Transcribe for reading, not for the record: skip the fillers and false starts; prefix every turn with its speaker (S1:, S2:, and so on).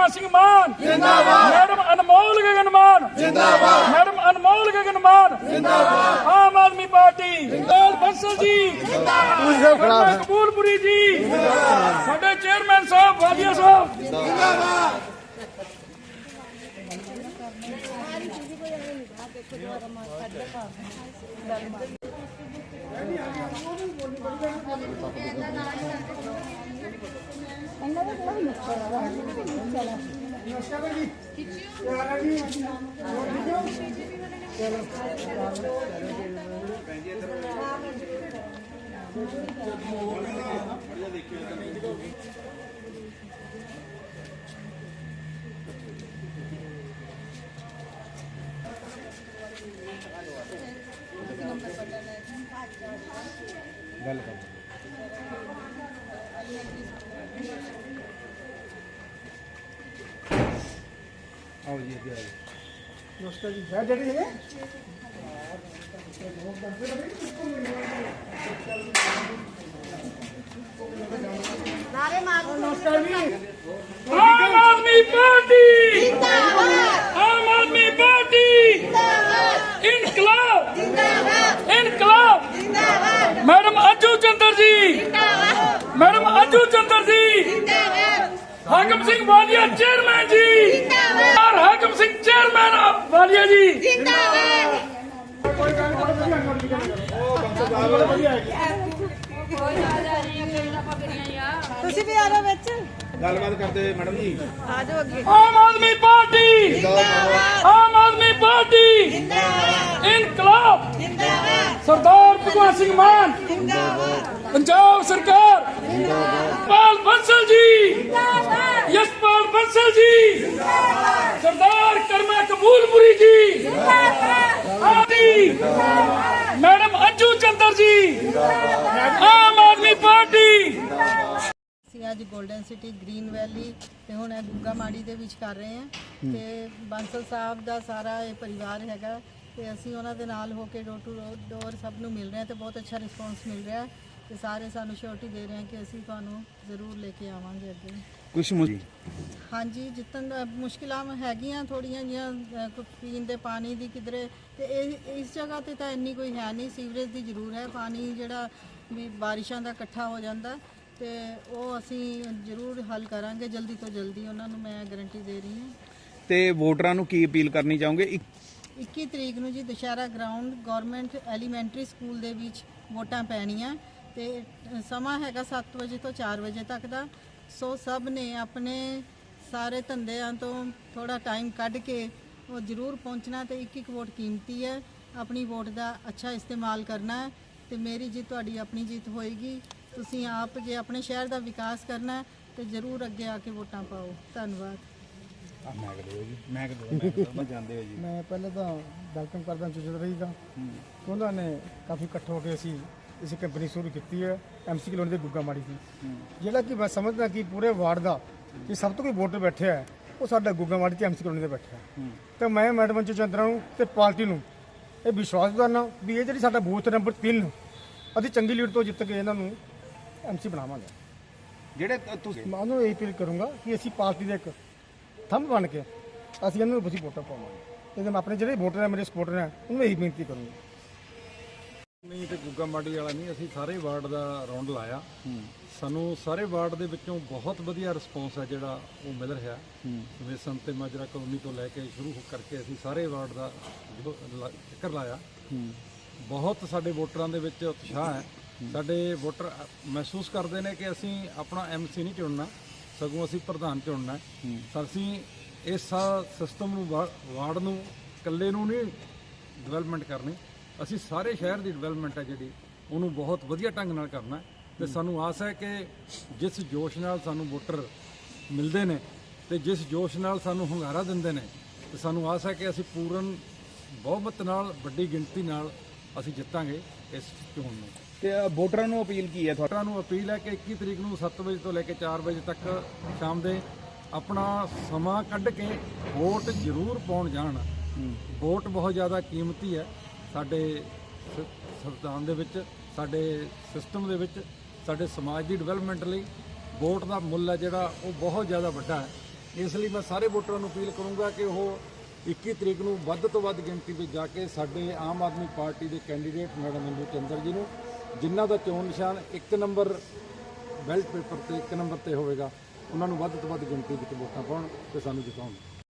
S1: भगवंत सिंह मान जिंदाबाद, मैडम अनमोल गगन मान जिंदाबाद, मैडम अनमोल गगन मान जिंदाबाद, आम आदमी पार्टी जिंदाबाद, बंसल जी जिंदाबाद, कबूलपुरी जी जिंदाबाद, साडे चेयरमैन साहब वालिया साहब जिंदाबाद।
S2: नमस्कार जी, है डैडी है
S3: नारे मारो।
S2: नमस्कार जी।
S1: आम आदमी पार्टी जिंदाबाद, आम आदमी पार्टी जिंदाबाद, इनकलाब जिंदाबाद, इनकलाब जिंदाबाद, मैडम अंजू चंद्र जी जिंदाबाद, मैडम अंजू चंद्र जी जिंदाबाद, हाकिम सिंह वालिया चेयरमैन जी जिंदाबाद, और हाकिम सिंह चेयरमैन वालिया जी जिंदाबाद।
S3: ਤੁਸੀਂ ਵੀ ਆ ਜਾਓ ਵਿੱਚ,
S2: गलबात करते मैडम जी।
S3: ਆ ਜਾਓ ਅੱਗੇ।
S1: आम आदमी पार्टी
S3: जिंदाबाद,
S1: आम आदमी पार्टी
S3: जिंदाबाद,
S1: इनकलाब
S3: जिंदाबाद,
S1: सरदार भगवंत सिंह मान
S3: जिंदाबाद,
S1: पंजाब सरकार पाल बंसल जी यशपाल बंसल जी सरदार कर्मा कबूलपुरी जी आदि मैडम अंजू चंद्र जी आम आदमी पार्टी।
S3: ਅਸੀਂ ਅੱਜ ਗੋਲਡਨ ਸਿਟੀ ਗ੍ਰੀਨ ਵੈਲੀ ਤੇ ਹੁਣ ਇਹ ਗੁੱਗਾ ਮਾੜੀ ਦੇ ਵਿੱਚ ਕਰ ਰਹੇ ਹਾਂ ਤੇ ਬਾਂਸਲ ਸਾਹਿਬ ਦਾ ਸਾਰਾ ਇਹ ਪਰਿਵਾਰ ਹੈਗਾ ਤੇ ਅਸੀਂ ਉਹਨਾਂ ਦੇ ਨਾਲ ਹੋ ਕੇ ਡੋਰ ਟੂ ਡੋਰ ਸਭ ਨੂੰ ਮਿਲ ਰਹੇ ਹਾਂ ਤੇ ਬਹੁਤ ਅੱਛਾ ਰਿਸਪੌਂਸ ਮਿਲ ਰਿਹਾ ਤੇ ਸਾਰੇ ਸਾਨੂੰ ਸ਼ੋਰਟੀ ਦੇ ਰਹੇ ਹਾਂ ਕਿ ਅਸੀਂ ਤੁਹਾਨੂੰ ਜ਼ਰੂਰ ਲੈ ਕੇ ਆਵਾਂਗੇ ਅੱਗੇ।
S2: कुछ
S3: ਹਾਂਜੀ ਜਿੱਤਨ ਮੁਸ਼ਕਿਲਾਂ ਹੈਗੀਆਂ ਥੋੜੀਆਂ ਜਿਹੀਆਂ ਪੀਣ ਦੇ ਪਾਣੀ ਦੀ ਕਿਧਰੇ ਤੇ ਇਸ ਜਗ੍ਹਾ ਤੇ ਤਾਂ ਇੰਨੀ ਕੋਈ ਹੈ ਨਹੀਂ, ਸੀਵਰੇਜ ਦੀ ਜ਼ਰੂਰ ਹੈ, ਪਾਣੀ ਜਿਹੜਾ ਵੀ ਬਾਰਿਸ਼ਾਂ ਦਾ ਇਕੱਠਾ ਹੋ ਜਾਂਦਾ ਤੇ ਉਹ ਅਸੀਂ ਜ਼ਰੂਰ ਹੱਲ ਕਰਾਂਗੇ ਜਲਦੀ ਤੋਂ ਜਲਦੀ, ਉਹਨਾਂ ਨੂੰ ਮੈਂ ਗਾਰੰਟੀ ਦੇ ਰਹੀ ਹਾਂ।
S4: ਤੇ ਵੋਟਰਾਂ ਨੂੰ ਕੀ ਅਪੀਲ ਕਰਨੀ ਚਾਹੋਗੇ?
S3: 21 ਤਰੀਕ ਨੂੰ ਜੀ Dussehra ground government elementary school ਦੇ ਵਿੱਚ ਵੋਟਾਂ ਪੈਣੀਆਂ ਤੇ ਸਮਾਂ ਹੈਗਾ 7 ਵਜੇ ਤੋਂ 4 ਵਜੇ ਤੱਕ ਦਾ। ਸੋ ਸਭ ਨੇ ਆਪਣੇ ਸਾਰੇ ਧੰਦਿਆਂ ਤੋਂ ਥੋੜਾ ਟਾਈਮ ਕੱਢ ਕੇ ਉਹ ਜ਼ਰੂਰ ਪਹੁੰਚਣਾ ਤੇ ਇੱਕ ਇੱਕ ਵੋਟ ਕੀਮਤੀ ਹੈ, ਆਪਣੀ ਵੋਟ ਦਾ ਅੱਛਾ ਇਸਤੇਮਾਲ ਕਰਨਾ ਹੈ ਤੇ ਮੇਰੀ ਜਿੱਤ ਤੁਹਾਡੀ ਆਪਣੀ ਜਿੱਤ ਹੋਏਗੀ। ਤੁਸੀਂ ਆਪ ਜੇ ਆਪਣੇ ਸ਼ਹਿਰ ਦਾ ਵਿਕਾਸ ਕਰਨਾ ਤੇ ਜ਼ਰੂਰ ਅੱਗੇ ਆ ਕੇ ਵੋਟਾਂ ਪਾਓ। ਧੰਨਵਾਦ।
S2: मैं पहले तो वेलकम करदा चौधरी का उन्होंने काफ़ी इकट्ठ होकर असी इस कंपनी शुरू की है MC कलोनी के गुग्गा माड़ी की जोड़ा कि मैं समझदा कि पूरे वार्ड का कि सब तो कोई वोटर बैठे है वो साडा गुग्गा माड़ी ते MC कलोनी से बैठा है तो मैं मैडम अंजू चंद्रा ते पार्टी नूं ये विश्वास दिलाना भी ये जी साडा बूथ नंबर 3 अभी चंगी लीड तो जित के इन्हों MC बनावांगे।
S4: ਜਿਹੜੇ ਤੁਸੀਂ
S2: मैं उन्होंने यही अपील करूँगा कि असी पार्टी के एक थंब बन के ਅਸੀਂ ਇਹਨਾਂ ਨੂੰ ਅਸੀਂ ਵੋਟਾਂ ਪਾਵਾਂਗੇ ਤੇ ਮੈਂ ਆਪਣੇ ਜਿਹੜੇ ਵੋਟਰ ਹੈ ਮੇਰੇ ਸਪੋਰਟਰ ਹੈ ਉਹਨੂੰ ਇਹੀ ਬੇਨਤੀ ਕਰੂੰਗਾ।
S5: ਨਹੀਂ ਤੇ ਗੁੱਗਾ ਮਾੜੀ ਵਾਲਾ ਨਹੀਂ, ਅਸੀਂ ਸਾਰੇ ਵਾਰਡ ਦਾ ਰਾਉਂਡ ਲਾਇਆ, ਸਾਨੂੰ ਸਾਰੇ ਵਾਰਡ ਦੇ ਵਿੱਚੋਂ ਬਹੁਤ ਵਧੀਆ ਰਿਸਪੌਂਸ ਹੈ ਜਿਹੜਾ ਉਹ ਮਿਲ ਰਿਹਾ। ਜਿਵੇਂ ਸੰਤੇ ਮਾਜਰਾ ਕਲੋਨੀ ਤੋਂ ਲੈ ਕੇ ਸ਼ੁਰੂ ਕਰਕੇ ਅਸੀਂ ਸਾਰੇ ਵਾਰਡ ਦਾ ਚੱਕਰ ਲਾਇਆ, ਬਹੁਤ ਸਾਡੇ ਵੋਟਰਾਂ ਦੇ ਵਿੱਚ ਉਤਸ਼ਾਹ ਹੈ। ਸਾਡੇ ਵੋਟਰ ਮਹਿਸੂਸ ਕਰਦੇ ਨੇ ਕਿ ਅਸੀਂ ਆਪਣਾ MC ਨਹੀਂ ਚੁਣਨਾ, ਸਗੋਂ ਅਸੀਂ ਪ੍ਰਧਾਨ ਚੁਣਨਾ ਹੈ। ਅਸੀਂ ਇਸ ਸਿਸਟਮ ਨੂੰ ਵਾਰਡ ਨੂੰ ਇਕੱਲੇ ਨੂੰ ਨਹੀਂ ਡਿਵੈਲਪਮੈਂਟ ਕਰਨੀ, ਅਸੀਂ ਸਾਰੇ ਸ਼ਹਿਰ ਦੀ ਡਿਵੈਲਪਮੈਂਟ ਹੈ ਜਿਹੜੀ ਉਹਨੂੰ ਬਹੁਤ ਵਧੀਆ ਢੰਗ ਨਾਲ ਕਰਨਾ ਤੇ ਸਾਨੂੰ ਆਸ ਹੈ ਕਿ ਜਿਸ ਜੋਸ਼ ਨਾਲ ਸਾਨੂੰ ਵੋਟਰ ਮਿਲਦੇ ਨੇ ਤੇ ਜਿਸ ਜੋਸ਼ ਨਾਲ ਸਾਨੂੰ ਹੁੰਗਾਰਾ ਦਿੰਦੇ ਨੇ ਤੇ ਸਾਨੂੰ ਆਸ ਹੈ ਕਿ ਅਸੀਂ ਪੂਰਨ ਬਹੁਮਤ ਨਾਲ ਵੱਡੀ ਗਿਣਤੀ ਨਾਲ ਅਸੀਂ ਜਿੱਤਾਂਗੇ ਇਸ ਚੋਣ ਨੂੰ।
S4: ਤੇ ਵੋਟਰਾਂ ਨੂੰ ਅਪੀਲ ਕੀ ਹੈ ਤੁਹਾਡੀ?
S5: ਵੋਟਰਾਂ ਨੂੰ ਅਪੀਲ ਹੈ ਕਿ 21 ਤਰੀਕ ਨੂੰ 7 ਵਜੇ ਤੋਂ ਲੈ ਕੇ 4 ਵਜੇ ਤੱਕ ਸ਼ਾਮ ਦੇ ਆਪਣਾ ਸਮਾਂ ਕੱਢ ਕੇ ਵੋਟ ਜ਼ਰੂਰ ਪਾਉਣ ਜਾਣ। ਵੋਟ ਬਹੁਤ ਜ਼ਿਆਦਾ ਕੀਮਤੀ ਹੈ ਸਾਡੇ ਸੰਵਿਧਾਨ ਦੇ ਵਿੱਚ, ਸਾਡੇ ਸਿਸਟਮ ਦੇ ਵਿੱਚ, ਸਾਡੇ ਸਮਾਜ ਦੀ ਡਿਵੈਲਪਮੈਂਟ ਲਈ ਵੋਟ ਦਾ ਮੁੱਲ ਹੈ ਜਿਹੜਾ ਉਹ ਬਹੁਤ ਜ਼ਿਆਦਾ ਵੱਡਾ ਹੈ। ਇਸ ਲਈ ਮੈਂ ਸਾਰੇ ਵੋਟਰਾਂ ਨੂੰ ਅਪੀਲ ਕਰੂੰਗਾ ਕਿ ਉਹ 21 ਤਰੀਕ ਨੂੰ ਵੱਧ ਤੋਂ ਵੱਧ ਗਿਣਤੀ ਵਿੱਚ ਜਾ ਕੇ ਸਾਡੇ ਆਮ ਆਦਮੀ ਪਾਰਟੀ ਦੇ ਕੈਂਡੀਡੇਟ ਮੈਡਮ ਇੰਦੂ ਚੰਦਰ ਜੀ ਨੂੰ, ਜਿਨ੍ਹਾਂ ਦਾ ਚੋਣ ਨਿਸ਼ਾਨ 1 ਨੰਬਰ ਬੈਲਟ ਪੇਪਰ ਤੇ 1 ਨੰਬਰ ਤੇ ਹੋਵੇਗਾ, ਉਹਨਾਂ ਨੂੰ ਵੱਧ ਤੋਂ ਵੱਧ ਗਿਣਤੀ ਵਿੱਚ ਵੋਟਾਂ ਪਾਉਣ ਤੇ ਸਾਨੂੰ ਜਿਤਾਉਣ।